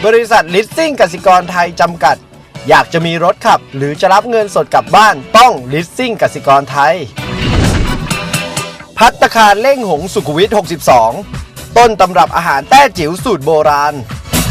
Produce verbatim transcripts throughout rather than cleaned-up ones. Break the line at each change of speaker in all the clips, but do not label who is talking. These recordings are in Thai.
บริษัทลิสซิ่งกสิกรไทยจำกัดอยากจะมีรถขับหรือจะรับเงินสดกลับบ้านต้องลิสซิ่งกสิกรไทยภัตตาคารเล่งหงสุขุมวิทหกสิบสองต้นตำรับอาหารแต้จิ๋วสูตรโบราณ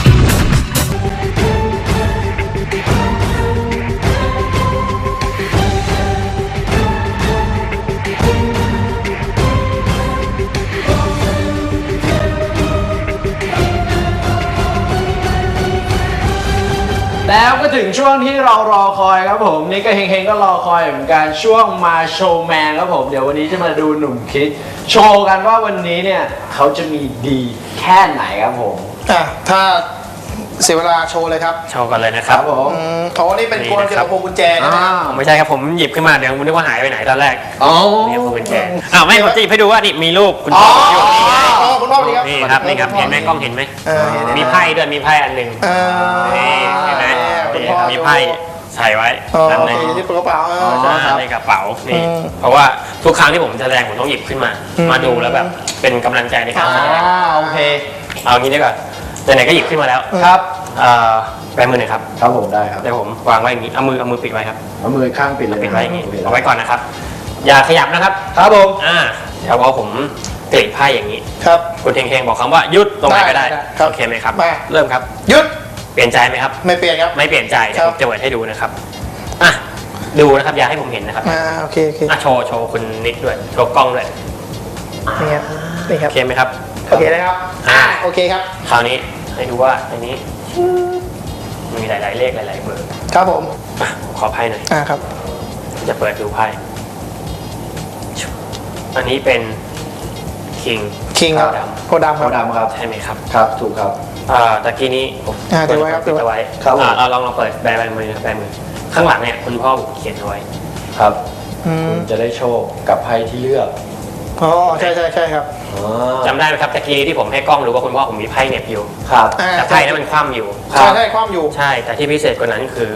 แล้วก็ถึงช่วงที่เรารอคอยครับผมนี่ก็เฮงๆก็รอคอยเหมือนกันช่วงมาโชว์แมนครับผมเดี๋ยววันนี้จะมาดูหนุ่มคิดโชว์กันว่าวันนี้เนี่ยเขาจะมีดีแค่ไหนครับผม
อ่ะถ้าเสียเวลาโชว์เลยครับ
โชว์กันเลยนะครับ
ผม
อ๋อนี่เป็นกลเกี่ยวกับพวงกุญแจนะ
ไม่ใช่ครับผมหยิบขึ้นมาเดี๋ยวผมนึกว่าหายไปไหนตอนแรกอ๋อนี่พวงกุญแจอ้าวไม่ผมจะหยิบให้ดูว่านี่มีรูปคุณพ่ออยู่นี่ไง
คุณพ่อนี่ครับ
นี่ครับนี่ครับเห็นไหมกล้องเห็นไหมมีไพ่ด้วยมีไพ่อันหนึ่งนี่เห็นไหมมีไพ่ใส่ไว้
นั่นเองที่กระเป๋า
ในกระเป๋านี่เพราะว่าทุกครั้งที่ผมแสดงผมต้องหยิบขึ้นมามาดูแล้วแบบเป็นกำลังใจในการแสดง
โอเค
เอางี้ดีกว่าไหนๆก็หยิบขึ้นมาแล้ว
ครับ
แบมือหน่อยครับ
ครับผมได้ครับ
เดี๋ยวผมวางไว้อย่างนี้เอามือเอามือปิดไว้ครับ
เอามือข้างปิดเลย
ปิดไว้อย่างนี้เอาไว้ก่อนนะครับอย่าขยับนะครับ
ครับผม
อ่าเดี๋ยวพอผมกรีดไพ่อย่างนี้
ครับ
คุณเฮงๆบอกคำว่าหยุดตรงไหนก็ได้โอเคไหมครับเริ่มครับ
หยุด
เปลี่ยนใจไหมครับ
ไม่เปลี่ยนครับ
ไม่เปลี่ยนใจเดี๋ยวผมจะเปิดให้ดูนะครับอ่ะดูนะครับอย่าให้ผมเห็นนะครับ
อ่าโอเคโอเค
อ่ะโชว์โชว์คุณนิกด้วยโชว์กล้องด้วย
นี่ครับนี่ครับ
โอเคไหมครับ
โอเคนะครับอ่าโอเคครับ
คราวนี้ให้ดูว่าในนี้มีหลายๆเลขหลายๆเบอร์
ครับผม
ขอไพ่หน่อย
อ่าครับ
จะเปิดดูไพ่อันนี้เป็นคิง
คิงครับโพดำ
โพดำครับ
ใช่ไหมครับ
ครับถูกครับ
อ่าตะกี้นี้ผม
อ่าเดี๋ยวไว้ครับเดี๋ยว
ไว้ครับอ่าเราลองเราเปิดแบมือแบมือข้างหลังเนี่ยคุณพ่อเขียนเอาไว้
ครับคุณจะได้โชคกับไพ่ที่เลือก
อ๋อใช่ใช่ใช่ครับ
จำได้ไหมครับตะกี้ที่ผมให้กล้องรู้ว่าคุณพ่อผมมีไพ่เหน็บอยู่
ครับ
แต่ไพ่นั้นมันคว่ำอยู่
ใช่ใช่คว่ำอยู่
ใช่แต่ที่พิเศษกว่านั้นคือ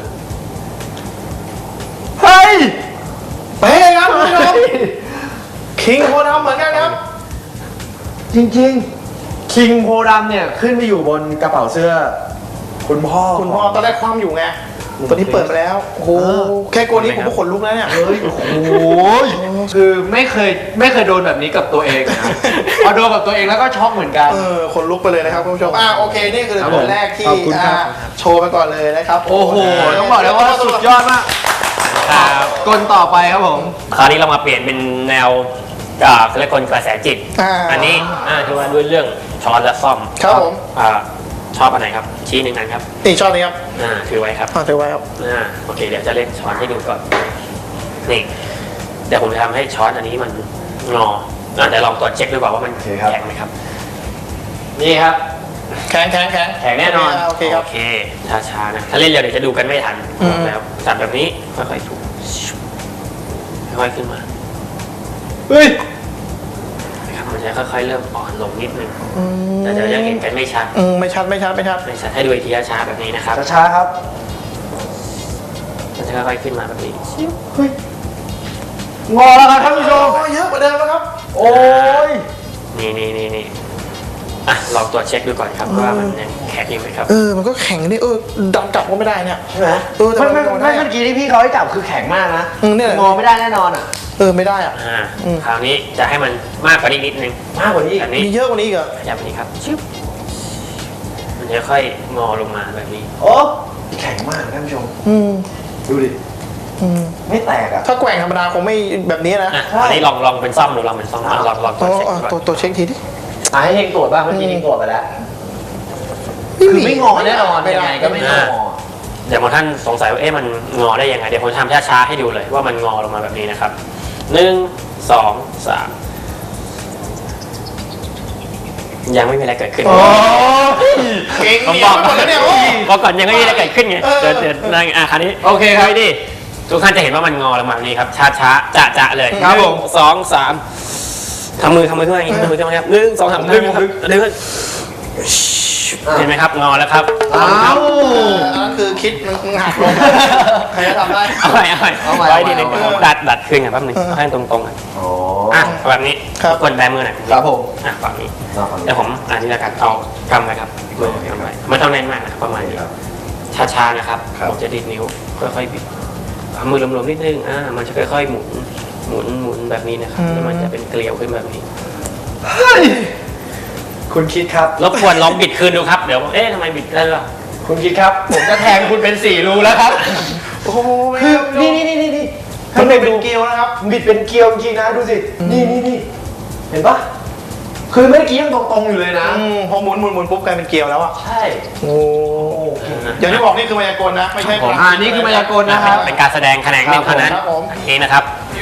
เฮ้ย
ไปครับคุณผู้ชมคิงโพดำเหมือนกันครับ
จริงๆคิงโพดำเนี่ยขึ้นไปอยู่บนกระเป๋าเสื้อคุณพ่อ
คุณพ่อตอนแรกคว่ำอยู่ไงตอนนี้เปิดมาแล้วโอ้โหแค่โกนี้ผมก็ขนลุกแล้วเนี่ย
เฮ้ยโอ้โหคือไม่เคยไม่เคยโดนแบบนี้กับตัวเองนะพอโดนกับตัวเองแล้วก็ช็อกเหมือนกัน
เออขนลุกไปเลยนะครับคุณผู้ชมอ่าโอเคนี่คือตัวแรกที่โชว์ไปก่อนเลยนะครับ
โอ้โหต้องบอกเลยว่าสุดยอดมากกลต่อไปครับผม
คราวนี้เรามาเปลี่ยนเป็นแนวเขาเรียกกลกระแสจิตอันนี้คือว่าด้วยเรื่องช้อนและซ่อม
ครับผม
ชอบอันไหนครับชี้หนึ่งอันครับ
นี่ชอบนี้ครับ
อ่าถือไว้ครับ
อ่าถือไว้ครับ
อ่าโอเคเดี๋ยวจะเล่นช้อนให้ดูก่อนนี่เดี๋ยวผมจะทำให้ช้อนอันนี้มันงออ่าเดี๋ยวลองตรวจเช็คดูก่อนว่ามันแข็งไหมครับนี่ครับ
แข็งแข็งแข็ง
แข็งแน่นอน
โอเคครับ
โอเคช้าๆนะถ้าเล่นเร็วเดี๋ยวจะดูกันไม่ทันแล้วจับแบบนี้ค่อยๆถูค่อยๆขึ้นมา
เฮ้ย
มันจะค่อยๆเริ่มอ่อนลงนิดนึงแต่เดี๋ยวยังเห็นกันไม่ชัด
อืมไม่ชัดไม่ชัดไม่ชัด
ไม่ชัดให้ดูอีกทีช้าๆแบบนี้นะครับ
ช้าๆครับ
มันจะค่อยๆขึ้นมาแบบนี้
เฮ้ยงอแล้วครับท่านผู้ชม
เยอะกว่าเดิมแล้วครับ
โอ้ย
นี่นี่นี่นี่อ่ะลองตรวจเช็คดูก่อนครับว่ามันยังแข็งอยู่ไหมครับ
เออมันก็แข็งนี่เออดันกลับก็ไม่ได้เนี่ย
ใช่ไหมเออไม่ไม่ไม่เมื่อกี้ที่พี่เขาให้จับคือแข็งมากนะงอไม่ได้แน่นอนอ่ะ
เออไม่ได้อ่ะ
อ่าคราวนี้จะให้มันมากกว่านี้นิดนึง
มากกว่านี้
อันนี้
มีเยอะกว่านี้อีกเหรอ
ขยับนี้ครับชิบมันจะค่อยงอลงมาแบบนี้
โอ้แข็งมากท่านผู้ชม
อืม
ดูดิ
อืม
ไม่แตกอ่ะ
ถ้าแกว่งธรรมดาคงไม่แบบนี้นะ
อันนี้ลองลองเป็นซ่อมดูลองเป็นซ่อมลองลองตัวเช็ค
ตัวตัวเช็คทีดิ
ให้เฮงตรวจบ้างเมื่อกี้เฮงตรวจไปแล้วคือไม่งอแน่นอนยังไงก็ไม่งอ
เดี๋ยวบางท่านสงสัยว่าเอ๊ะมันงอได้ยังไงเดี๋ยวผมทำช้าๆให้ดูเลยว่ามันงอลงมาแบบนี้นะครับหนึ่งสองสามยังไม่มีอะไรเกิดขึ้น
โอ้เก่ง
ผมบอกก่อนเนี่ยบอกก่อนยังไม่มีอะไรเกิดขึ้นไงเดี๋ยวเดี๋ยวนั่งอ่ะคราวนี้
โอเคครับ
ดิทุกท่านจะเห็นว่ามันงอลงมาแบบนี้ครับช้าๆจะๆเลย
ครับผม
สองสามทำมือทำมือขึ้นมาอย่างนี้ทำมือขึ้นมาครับหนึ่งสองสามดึงดึงดึงเห็นไหมครับงอแล้วครับ
อ้าว
อันนั้นคือคิดมันหักลงใครจะทำได้
เอาใหม่เอาใหม่
เอาใหม่
ไว้ดีนึง
เอาใหม่
ดัดดัดขึ้นกันแป๊บนึงให้ตรงๆกัน
อ๋อ
อ่ะแบบนี้
ครับ
กดแบมือหน่อย
ครับผม
อ่ะฝั่งนี้
เอาฝั่งนี้
เดี๋ยวผมอันนี้แล้วกันเอากำไว้ครับมือกำไว้ไม่ต้องแน่นมากนะครับประมาณนี้ช้าๆนะครับ
ครับ
ผมจะดีดนิ้วค่อยๆบิดเอามือรวมๆนิดนึงอ่ามันจะค่อยๆหมุนหมุนหมุนแบบนี้นะครับแล้วมันจะเป็นเกลียวขึ้นแบบนี้
เฮ้ยคุณคิดครับ
รบกวนลองบิดคืนดูครับเดี๋ยวเอ๊ะทำไมบิดได้หรอ
คุณคิดครับ ผมจะแทงคุณเป็นสี่รูแล้วครับ
โอ้โหไม่
คือ
ครับ
นี่นี่นี่นี่นี่
มันเป็นเกลียวนะครับ
บิดเป็นเกลียวจริงๆนะดูสิ นี่นี่นี่เห็นปะคือเมื่อกี้ยังตรงๆอยู่เลยนะ
อืมพอหมุนหมุนหมุนปุ๊บกลายเป็นเกลียวแล้วอ่ะ
ใช่
โอ้อย่างที่บอกนี่คือมายากลนะ ไม่ใช่
ผม
อ่านี่คือมายากลนะครับ
เป็นการแสดงแขนงหนึ่งเท่านั้น
ครับผม
อันนี้นะครับ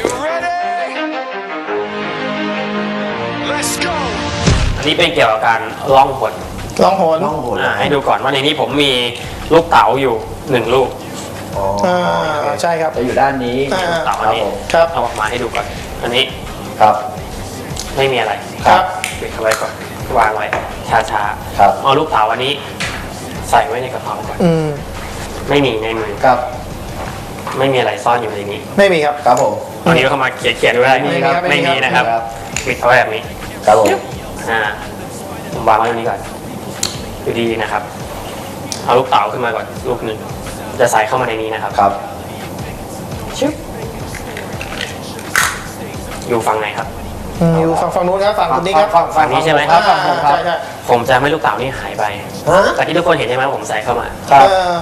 Let's go!
อันนี้เป็นเกี่ยวกับการล่องหน
ลองโหน
ล่องหน
อ่าให้ดูก่อนว่าในนี้ผมมีลูกเต๋าอยู่หนึ่งลูก
อ๋อ
อ่าใช่ครับ
จะอยู่ด้านนี้
อ่า
เต๋าอันนี้
ครับ
เอาออกมาให้ดูก่อน อันนี้
ครับ
ไม่มีอะไร
ครับ
ปิดเอาไว้ก่อนวางไว้ช้า
ครับ
ๆเอาลูกเต๋าอันนี้ ใส่ไว้ในกระเป๋าก่อน
อืม
ไม่มีในมือ
ครับ
ไม่มีอะไรซ่อนอยู่ในนี้
ไม่มีครับ
ครับผม
ตอนนี้เข้ามาเขียนเขียนไว้
ไม่มีครับ
ไม่
ไม่
มี
มีครับ
นะครับ
ครับ
ปิดเอาไว้แบบนี้
ครับผม
อ่าผมวางไว้ตรงนี้ก่อนดูดีๆนะครับ เอาลูกเต๋าขึ้นมาก่อนลูกหนึ่งจะใส่เข้ามาในนี้นะครับ
ครับ
ชึบอยู่ฝั่งไหนครับ
อืมอยู่ฝั่งฝั่งนู้นครับฝั่งคนนี้ครับ
ฝั่งฝั่ง
นี้ใช่ไหม
ครับฝั่งผมครับ
ใช่ใช่
ผมจะไม่ลูกเต๋านี่หายไป
ฮะ
แต่ที่ทุกคนเห็นใช่ไหมผมใส่เข้ามา
ครับ
เออ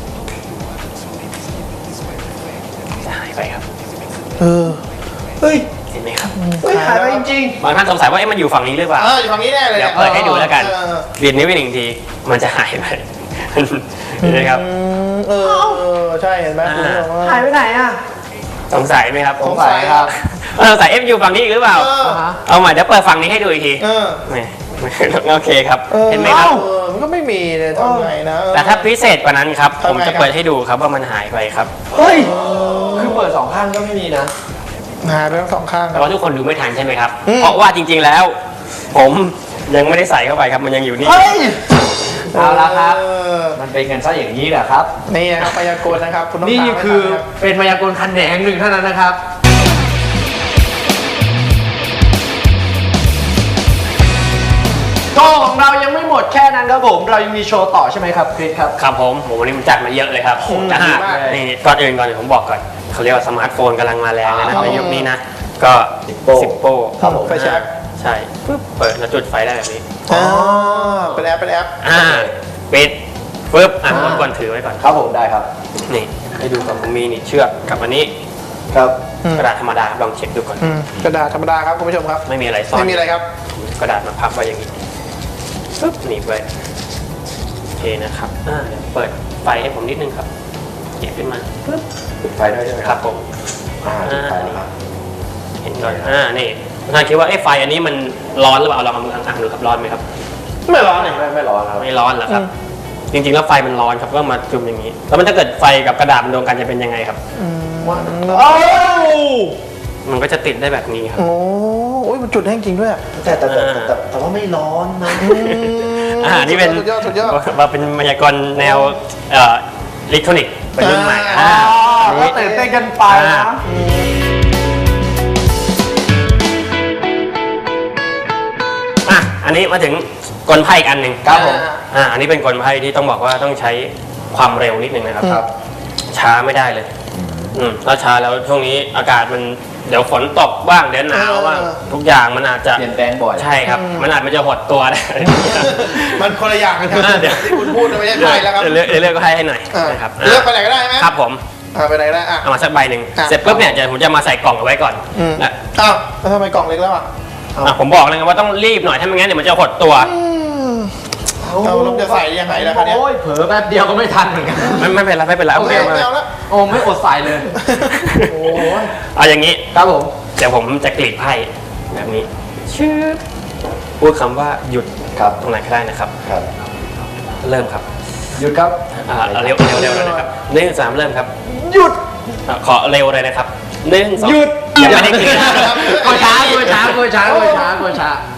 จะหายไปครับ
เออ
เฮ้ย
เห็นไหมครับ
เฮ้ยหายไปจริง
บางท่านสงสัยว่าเอ๊ะมันอยู่ฝั่งนี้หรือเปล่า
เอออยู่ฝั่งนี้แน่เลย
เดี๋ยวเปิดให้ดูแล้วกัน
เออ
เรียนนิ้วไปหนึ่งที มันจะหายไป เห็นไหมครับ
อืมเออเออใช่เห็นไหมคุณผู้ชม
ๆหายไปไหนอ่ะ
สงสัยไหมครับ
สงสัยครับ
สงสัยเอฟอยู่ฝั่งนี้อีกหรือเปล่า
เออ
เอาใหม่เดี๋ยวเปิดฝั่งนี้ให้ดูอีกที
เออ
ไม่ไม่โอเคครับ
ออ
เห็นไหมครับ
เออมันก็ไม่มีเลยทำไงนะเออ
แต่ถ้าพิเศษกว่านั้นครับ
ทำไง
ผมจะเปิดให้ดูครับว่ามันหายไปครับ
เฮ้ย คือเปิดสองข้างก็ไม่มีนะ
หายไปทั้งสองข้างค
แต่
รับ
ว่าทุกคนดูไม่ทันใช่ไหมครับ
อืม
เพราะว่าจริง ๆแล้ว ผมยังไม่ได้ใส่เข้าไปครับ มันยังอยู่นี่
เฮ้ย เอาละครับ
เออ
มันเป็นกันซะอย่างนี้แหละครับ
นี่นะครับพยากรณ์นะครับคุณต้อง
นี่
ตามให้
คือ
ทันรับ
เป็นมายากลแขนงหนึ่งเท่านั้นนะครับ โชว์ของเรายังไม่หมดแค่นั้นครับผม เรายังมีโชว์ต่อใช่ไหมครับคริสครับ
ครับผมผมวันนี้มันจัดมาเยอะเลยครับ
โอ้โห
อ่า
ดีมาก
นี่ก่อนอื่นก่อนเดี๋ยวผมบอกก่อนเขาเรียกว่าสมาร์ทโฟนกำลังมาแรงเลยนะ
อ๋อ
ในยุคนี้นะ ก็
สิบโป้
สิบโป้
ครับผม
ไฟแช็ก
ใช่ปึ๊บเปิดแล้วจุดไฟได้แบบนี้
อ๋อเป็นแอปเป็นแอป
อ่าปิดปึ๊บอ่ะ
อ่า
กดก่อนถือไว้ก่อน
ครับผมได้ครับ
นี่ให้ดูก่อนผมมีนี่เชือกกับอันนี้
ครับ
อืม
กระดาษธรรมดาลองเช็คดูก่อน
อืมกระดาษธรรมดาครับคุณผู้ชมครับ
ไม่มีอะไรซ่อน
ไม่มีอะไรครับ
กระดาษมาพับไว้อย่างนี้ปึ๊บหนีบไว้โอเคนะครับอ่าเดี๋ยวเปิดไฟให้ผมนิดนึงครับเก็บขึ้นมาปึ๊บ
ปิดไฟได้ใช่ไหม
ค
ค
รั
รั
บบ ผม
อ่าปิดไฟแล้วครับ
เห็นก่อนอ่านี่ท่านคิดว่าไอ้ไฟอันนี้มันร้อนหรือเปล่าลองเอามืออังๆดูครับร้อนไหมครับ
ไม่ร้อนเลย
ไม่ไม่ร้อนครับ
ไม่ร้อนเหรอครับ จริงๆแล้วไฟมันร้อนครับก็มาจุ่มอย่างนี้ แล้วมันถ้าเกิดไฟกับกระดาษมันโดนกันจะเป็นยังไงครับ
โอ้
มันก็จะติดได้แบบนี้ครับ
โอ้โอ้ยมันจุดแห้งจริงด้วยอะ
แต่แต่แต่แต่แต่ว่าไม่ร้อนนะ
อ่านี่เป็น
สุดยอดสุดยอด
ว่าเป็นมายากลแนวเอ่ออิเล็กทรอนิกส์เป็นรุ่นใหม่
อ่า
อ่า
ก็ตื่นเต้นกันไปนะ
อ่ะอันนี้มาถึงกลไพ่อีกอันหนึ่ง
ครับผม
อ่าอันนี้เป็นกลไพ่ที่ต้องบอกว่าต้องใช้ความเร็วนิดนึงนะครับ
ครับ
ช้าไม่ได้เลย อืมถ้าช้าแล้วช่วงนี้อากาศมันเดี๋ยวฝนตกบ้างเดี๋ยวหนาวบ้าง
เออ
ทุกอย่างมันอาจจะ
เปลี่ยนแปลงบ่อย
ใช่ครับ มันอาจมันจะหดตัวได้
มันคนละอย่างกันครับ
อ่าเดี๋ยว
ที่คุณพูดไม่ใช่ไพ่แล้วครับ
เดี๋ยวเลือกเดี๋ยวเลือกก็ให้ให้หน่อย
อ่า
นะครับ
เลือกไปไหนก็ได้ไหม
ครับผม
อ่าไปไหนก็ได้อ่ะ
เอามาสักใบหนึ่ง
อ่ะ
เสร็จปุ๊บเนี่ยจะผมจะมาใส่กล่องเอาไว้ก่อน
อืม
นะ
อ้าวแล้วทำไมกล่องเล็กแล้วอ่ะ
อ่ะผมบอกเลยไงว่าต้องรีบหน่อยถ้าไม่งั้นเดี๋ยวมันจะหดตัว
เอาแล้วจะใส่ยังไงล่ะคะเนี่ย
โอ้ยเผลอแป๊บเดียวก็ไม่ทันเหมือนกัน
ไม่ไม่เป็นไรไม่เป็นไร
โอ
โอ
เค
เค
ไม่เอาแล้ว
โอ้ไม่อดใส่เลย โอ้ย
เอาอย่างนี้
ครับผม
เดี๋ยวผมจะกรีดไพ่แบบนี้ชื่อพูดคำว่าหยุด
ครับ
ตรงไหนก็ได้นะครับ
ครับ
เริ่มครับ
หยุดครับ
อ่าเอาเร็วเร็วเร็วเลยนะครับหนึ่งสามเริ่มครับ
หยุด
อ่ะขอเร็วเลยนะครับหนึ่งสอง
หยุด
ยังไม่ได้กรีด
กดช้ากดช้ากดช้ากดช้ากดช้า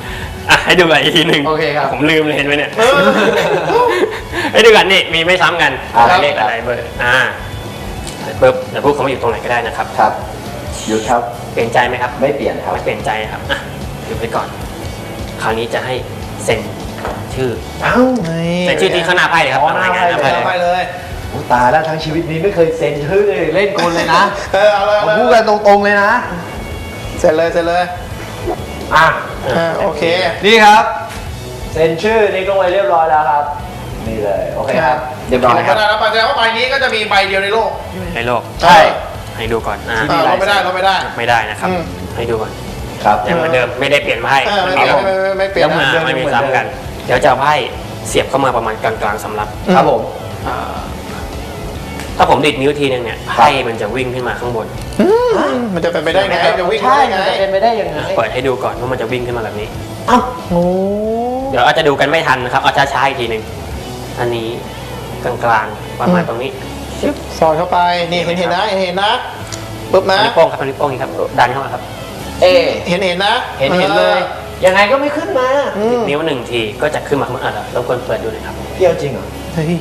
อ่ะให้ดูกันอีกทีหนึ่ง
โอเคครับ
ผมลืมเลยเห็นไหมเนี่ย
เออ
ให้ดูกันนี่มีไม่ซ้ำกัน
อ่า
เลขอะไรเบอร์อ่าปุ๊บเดี๋ยวพูดเขามาอยู่ตรงไหนก็ได้นะครับ
ครับหยุดครับ
เปลี่ยนใจไหมครับ
ไม่เปลี่ยนครับ
ไม่เปลี่ยนใจนะครับอ่ะหยุดไปก่อน คราวนี้จะให้เซ็นชื่อ
เอ้า
เซ็นชื่อที่ข้างหน้าไพ่เลยครับ
อ๋อหน้าไพ่
หน้าไพ่เลย
ไปเลย
โอ้ตายแล้วทั้งชีวิตนี้ไม่เคยเซ็นชื่อเลยเล่นกลเลยนะ
เออเอาเลยเอา
ผม
เลย
พูดกันตรงๆเลยนะ
เสร็จเลยเสร็จเลย
อ่ะ
อ่าโอเค
นี่ครับเซ็นชื่อนี่ก็ไว้เรียบร้อยแล้วครับ นี่เลยโอเคครับเรียบร้อย
ค
ค
รั
รั
บบ แล้วแสดงว่าใบนี้ก็จะมีใบเดียวในโลก
ในโลก
ใช่
ให้ดูก่อนอ่า
อ่าเราไม่ได้เราไม่ได้
ไม่ได้นะครับ
อืม
ให้ดูก่อน
ครับ
ยังเหมือนเดิมไม่ได้เปลี่ยนไพ่
เออ
มัน
ไม่
มี
ไม่ไม่ไม่เปลี่ยน
ยังเหมือน
นะ
เดิ
ไม่มีซ้ำกัน เดี๋ยวจะเอาไพ่เสียบเข้ามาประมาณกลางๆสำรับ
ครับผม
อ่าถ้าผมดิดนิ้วทีนึงเนี่ยไพ่มันจะวิ่งขึ้นมาข้างบน
อืมมันจะเป็นไปได้ไงจะวิ่ง
ใช่
ได้ไง
มันจะเป็นไปได้ยังไง
เปิดให้ดูก่อนว่ามันจะวิ่งขึ้นมาแบบนี้
เอ้า
โอ้
เดี๋ยวอาจจะดูกันไม่ทันนะครับเอาช้าๆอีกทีหนึ่งอันนี้กลางๆประมาณตรงนี้
สอดเข้าไปนี่เห็นเห็นนะเห็นเห็นนะปุ๊บนะ
นิ้วโป้งครับนิ้วโป้งนี่ครับดันเข้ามาครับ
เอ
เห็นเห็นนะ
เห็นเห็นเลย ยังไงก็ไม่ขึ้นมา
อืม
นิ้วหนึ่งทีก็จะขึ้นมาข้างบนอ่ะรบกวนเปิดดูหน่อยครับ
เที่ยวจริงเหรอ
เฮ้ย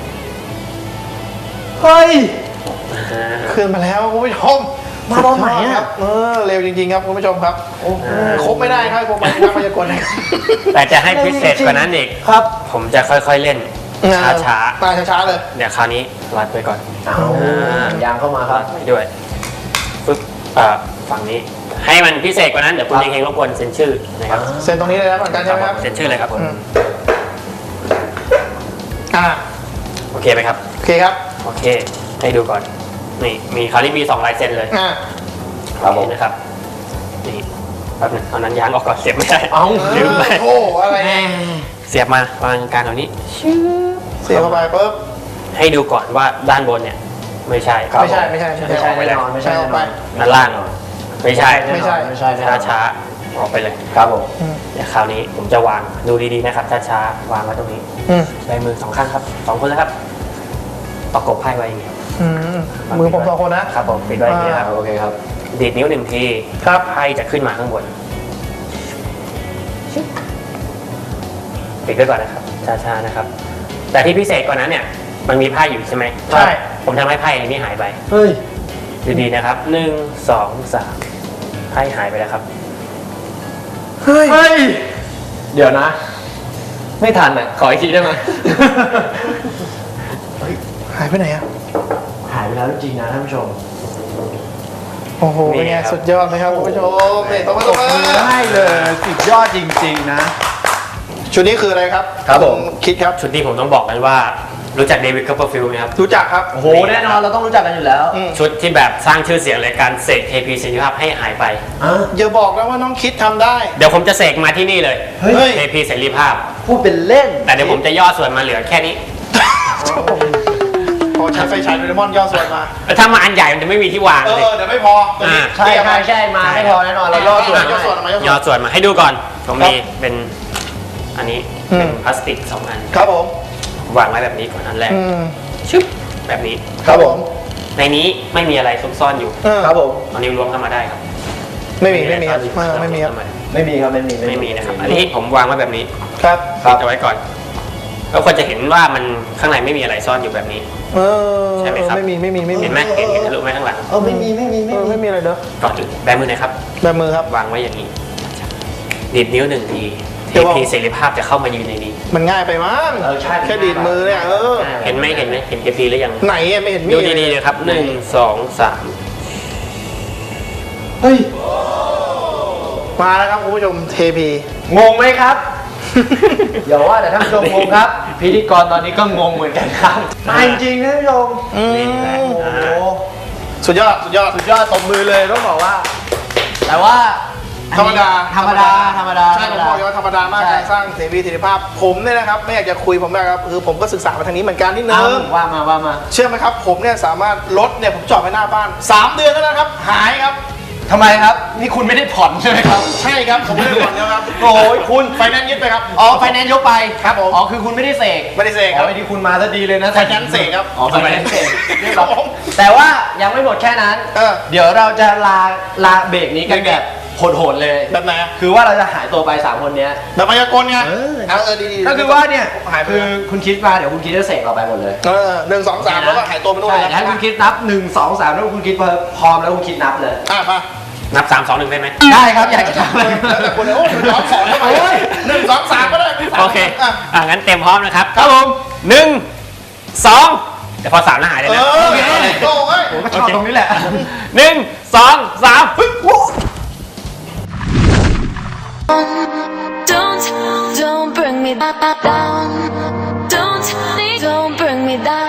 เฮ้ย
อ่า
ขึ้นมาแล้วคุณผู้ชม
มาตอนไหนอะ
ครับเออเร็วจริงๆครับคุณผู้ชมครับ
โอ้
เออครบไม่ได้ครับครบไม่ได้พยากรณ์นะครับ
แต่จะให้พิเศษกว่านั้นอีก
ครับ
ผมจะค่อยๆเล่นช้า
มาช้าๆเลย
ๆเดี๋ยวคราวนี้รัดไปก่อน
เอายางเข้ามาครับ
ไปด้วยปึ๊บอ่าฝั่งนี้ ให้มันพิเศษกว่านั้นเดี๋ยวคุณเฮงๆรบกวนเซ็นชื่อนะครับ
เซ็นตรงนี้เลยนะเหมือนกันใช่ไหมครับ
เซ็นชื่อเลยครับ
อืมอ่า
โอเคไหมครับ
โอเคครับ
โอเค ให้ดูก่อน นี่ มีคราวนี้มีสองลายเซ็นเลย
อ่า
ครับผม
นี่นะครับ นี่แป๊บหนึงเอานั้นยางออกก่อนเสียบไม่ได้
เอ้า
ลืมไป
โอ้อะไรเนี่ย
เสียบมาวางกลางตรงนี้
เสียบเข้าไปปุ๊บ
ให้ดูก่อนว่าด้านบนเนี่ย ไม่ใช่
ครับ
ไม่ใช่ไม่ใช่
ไม่ใช่แน่นอนไม่ใช่แน่นอน
ด้านล่างไม่ใช่
ไม่ใช่
ไม่ใช่แน่น
ช้า
อน
ช้าๆออกไปเลย
ครับผม
อืม
เดี๋ยวคราวนี้ผมจะวางดูดีๆนะครับช้าช้าๆวางไว้ตรงนี้
อืม
ใช้มือสองข้างครับสองคนแล้วครับ ประกบไพ่ไว้อย่างนี้
อืมมือผมสองคนนะ
ครับผมปิดไว้อย่างนี้ครับ
โอเคครับ
ดีดนิ้วหนึ่งที
ครับ
ไพ่จะขึ้นมาข้างบนปิดไว้ก่อนนะครับช้าๆนะครับ แต่ที่พิเศษกว่านั้นเนี่ยมันมีไพ่อยู่ใช่ไหม
ใช่
ผมทำให้ไพ่อันนี้หายไป
เฮ้ย
ดีๆนะครับหนึ่งสองสามไพ่หายไปแล้วครับ
เฮ้ย
เฮ้ย เดี๋ยวนะ ไม่ทันอ่ะ ขออีกทีได้ไหม
หายไปไหนอ่ะ
หายไปแล้วจริงๆนะท่านผู้ชม
โอ้โห
นี่
เป็นไง
ครับ
สุดยอดไหมครับคุณผู้ชมนี่ตบมือตบมือ
ได้เลยสุดยอดจริงๆนะ
ชุดนี้คืออะไรครับ
ครับผม
คิดครับ
ชุดนี้ผมต้องบอกกันว่ารู้จักเดวิดคัพเปอร์ฟิลด์ไหมครับ
รู้จักครับ
โอ้โห แน่นอนเราต้องรู้จักกันอยู่แล้ว
อืม
ชุดที่แบบสร้างชื่อเสียงเลยการเสกเทพีเสรีภาพให้หายไป
อ่ะ
อย่าบอกนะว่าน้องคิดทำได้
เดี๋ยวผมจะเสกมาที่นี่เลย
เฮ้ย
เทพีเสรีภาพ
พูดเป็นเล่น
แต่เดี๋ยวผมจะย่อส่วนมาเหลือแค่นี้
พอใช้ไฟฉายโดเรมอนย่อส่วนมา
แล้วถ้ามาอันใหญ่มันจะไม่มีที่วาง
เอ
เลย
อเดี๋ยวไม่พอตัวนี้
อ่า
ใช่ใช่ใช่มาไม่พอแน่นอนเราย่อส่วน
ย่อ
ให้
ส่วนออกมาย่อส่
ย่อ
วน
ส่วนมาให้ดูก่อน ผมมีเป็นอันนี้
อืม
เป็นพลาสติกสองอัน
ครับผม
วางไว้แบบนี้ก่อนอันแรก
อืม
ชึบแบบนี้
ครับผม
ในนี้ไม่มีอะไรซุกซ่อนอยู่
เออ
ครับผม
เอานิ้วล้วงเข้ามาได้ครับ
ไม่มีไม่มีครับเออไม่มีครับ
ไม่มีครับไม่มี
ไม่มีนะครับ อันนี้ผมวางไว้แบบนี้
ครับ
ปิดเอาไว้ก่อนก็ควรจะเห็นว่ามันข้างในไม่มีอะไรซ่อนอยู่แบบนี้
เออ
ใช่ไหมครับ
ไม่มีไม่มีไม่มี
เห็นไหมเห็นเห็นทะลุไหมข้างหลัง
เออไม่มีไม่มี
เอ
ไม่
อ
มี
ไม่มีอะไรเด้อ
ก่อนอื่นแบมือหนะครับ
แบบมือครับ
วางไว้อย่างนี้ดีดนิ้วหนึ่งทีเท
เดี๋ยวบอก
พีเสรีภาพจะเข้ามายืนในนี้
มันง่ายไปมั้ง
เออใช่
แค่ดีดมือเนี่ยเออ
เห็นไหมเห็นไหมเห็นเทพีหรือยัง
ไหนอะไม่เห็นมี
ดูดีๆเลยครับหนึ่งสองสาม
เฮ้ย
มาแล้วครับคุณผู้ชมเทพี
งงไหมครับ อย่าว่าแต่ท่านผู้ชมงงครับ พิธีกรตอนนี้ก็งงเหมือนกันครับมาจริงๆท่านผู้ชม
อืม
นี่แหละ
โอ้โห
อ่า
สุดยอดสุดยอด
สุดยอดตบมือเลยต้องบอกว่า แต่ว่า
ธรรมดา
ธรรมดาธรรมดา
ใช่ผมบอกเลยว่าธรรมดามาก
ใช่
การสร้างเสรีเสรีภาพ ผมเนี่ยนะครับไม่อยากจะคุยผมนะครับคือผมก็ศึกษามาทางนี้เหมือนกันนิดนึ
อ้าง ว่ามาว่ามา
เชื่อไหมครับผมเนี่ยสามารถรถเนี่ยผมจอดไว้หน้าบ้านสามเดือนแล้วนะครับ หายครับ
ทำไมครับ นี่คุณไม่ได้ผ่อนใช่ไหมครับ
ใช่ครับผมไม่ได้ผ่อนนะครับ
โอ้ยคุณ
ไฟแนนซ์ยึดไปครับ
อ๋อไฟแนนซ์ยกไป
ครับผม
อ๋อคือคุณไม่ได้เสก
ไม่ได้เสกครับ
อ๋อไอ้ที่คุณมาซะดีเลยนะ
ไฟแนนซ์เสกครับ
อ๋อไฟแนนซ์เสกเรียบ
ค
ร้
รั
อบ ย
ผม
แต่ว่ายังไม่หมดแค่นั้น
เออ
เดี๋ยวเราจะลาลาเบรกนี้กันแบบโหดๆเลย
แบบไหนอะ
คือว่าเราจะหายตัวไปสามคนเนี้ย
แบบมายากลไง
เออ
เอาเออดีๆ
ก็คือว่าเนี่ย
หายไป
คือคุณคิดมาเดี๋ยวคุณคิดจะเสกเราไปหมดเลย
เออหนึ่งสองสามแล้วก็หายตัวไปนู่น
ใช่
เลย
ถ้าคุณคิดนับหนึ่งสองสามแล้วคุณคิดพร้อมแล้วคุณคิดนับเลย
อ่ะมา
นับสามสองหนึ่งได้ไหม
ได้ครับอยากจะทำอะไร
แล้วแต่คุณเลยโอ้ยหนึ่งสองสองทำไม
โอ้ย
หนึ่งสองสามก็ได้
โอเค
อ่ะ
อ่ะงั้นเต็มพร้อมนะครับ
ครับผม
หนึ่งสองเดี๋ยวพอสามแล้วหายเลย
เอ
นะ
อ
โอเค
โอ้ย
ผมก็ชอบตรงนี้แหละ
หนึ่งสองสามปึ๊บ
Don't, don't bring me down. Don't, don't bring me down.